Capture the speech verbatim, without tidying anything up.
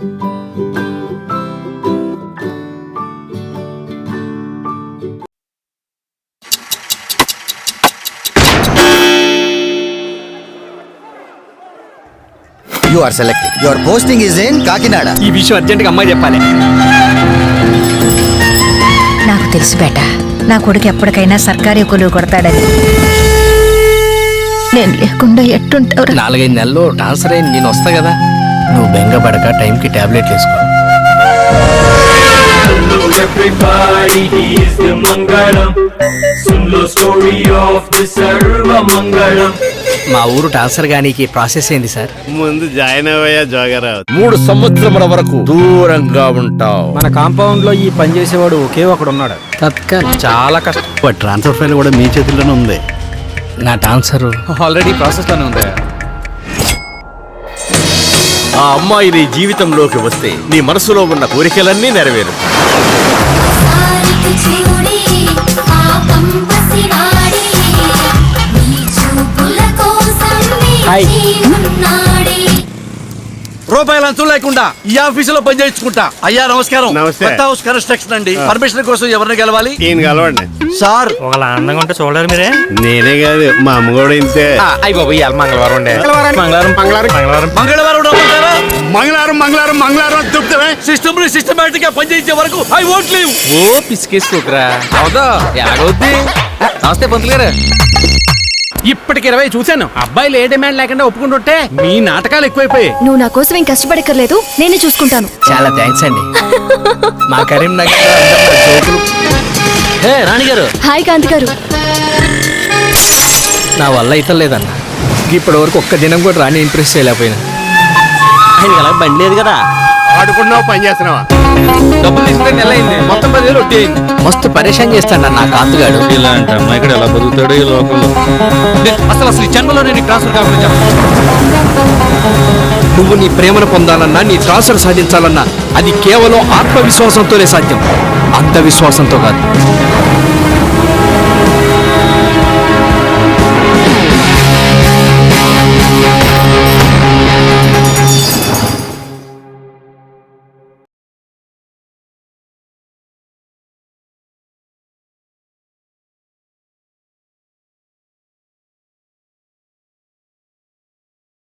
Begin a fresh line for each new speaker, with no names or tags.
You are selected. Your posting is in Kakinada.
ఈ విషయం అర్జెంట్గా అమ్మాయి చెప్పాలి.
నాకు తెలుసు బేట, నా కొడుకు ఎప్పటికైనా సర్కారీ కొలువు కొడతాడని. నేను లేకుండా ఎట్టుంటావు?
నాలుగైదు నెలల్లో ట్రాన్స్ఫర్ అయ్యి నేను వస్తా కదా, నువ్వు బెంగపడక టైంకి టాబ్లెట్లు వేసుకో.
Everybody, he is the Mangalam. Sun lo story of the Sarva Mangalam.
మా ఊరు ట్రాన్స్ఫర్ గానికి ప్రాసెస్ ఏంది సార్?
ముందు జాయిన్ అవ్వయా జోగరావు.
మూడు సంవత్సరముల వరకు దూరంగా ఉంటావు.
మన కాంపౌండ్ లో ఈ పని చేసేవాడు ఒకే ఒకడు ఉన్నాడు.
తత్కాల్ చాలా కష్టం.
ట్రాన్స్ఫర్ ఫైల్ కూడా మీ చేతుల్లోనే ఉంది.
నా ట్రాన్స్ఫర్
ఆల్రెడీ ప్రాసెస్ లోనే ఉంది.
ఆ అమ్మాయి నీ జీవితంలోకి వస్తే నీ మనసులో ఉన్న కోరికలన్నీ నెరవేరు. రూపాయలు అంచు లేకుండా ఈ ఆఫీసులో పని చేయించుకుంటా. అయ్యా నమస్కారం.
నమస్తే.
కొత్త హౌస్ కన్స్ట్రక్షన్ అండి. పర్మిషన్ కోసం ఎవరిని గెలవాలి?
ఈయన కలవండి
సార్
ఒకలా అందంగా ఉంటే చూడలేరు మీరే.
నేనే కాదు మా అమ్మ కూడా ఇంతే.
అయ్యి బాబు ఇవాళ మంగళవారం ఉండే.
మంగళవారం మంగళవారం మంగళవారం
మంగళవారం రమ్మంటారా?
మంగళవారం మంగళవారం మంగళవారం అని చెప్తావే.
సిస్టమ్ ని సిస్టమేటిక్ గా పనిచేయించే వరకు ఐ వోంట్ లీవ్.
ఓ పిసికేసుకోకరా. అవుదా ఎలాగవుద్ది? నమస్తే పంతులు గారు.
ఇప్పటికి ఇరవై చూశాను. అబ్బాయిలు ఏ డిమాండ్ లేకుండా ఒప్పుకుంటుంటే మీ నాటకాలు ఎక్కువైపోయాయి.
నువ్వు నా కోసం ఏం కష్టపడక్కర్లేదు, నేనే చూసుకుంటాను.
చాలా థ్యాంక్స్ అండి. మా కరీంనగర్ జోకులు. హే రాణి గారు.
హాయ్ కాంతి గారు.
నా వల్ల అయితే లేదన్న. ఇప్పటి వరకు ఒక్క దినం కూడా రాణి ఇంప్రెస్ చేయలేకపోయినా. ఆయన అలా బండి లేదు కదా.
ఆడుకున్నావు పని చేస్తున్నావా?
డబ్బులు తీసుకునే నెల అయింది. మొత్తం పదివేలు వడ్డీ అయింది. మస్తు పరేషాన్ చేస్తాడు నా కాంతుగాడు.
ఇలాంటి అమ్మాయి ఇక్కడ ఎలా బతుకుతాడు ఈ లోకంలో?
అసలు అసలు ఈ జన్మలో నేను ట్రాన్స్ఫర్ కాకుండా నువ్వు నీ ప్రేమను పొందాలన్నా, నీ ట్రాన్స్ఫర్ సాధించాలన్నా అది కేవలం ఆత్మవిశ్వాసంతోనే సాధ్యం, అంధవిశ్వాసంతో కాదు.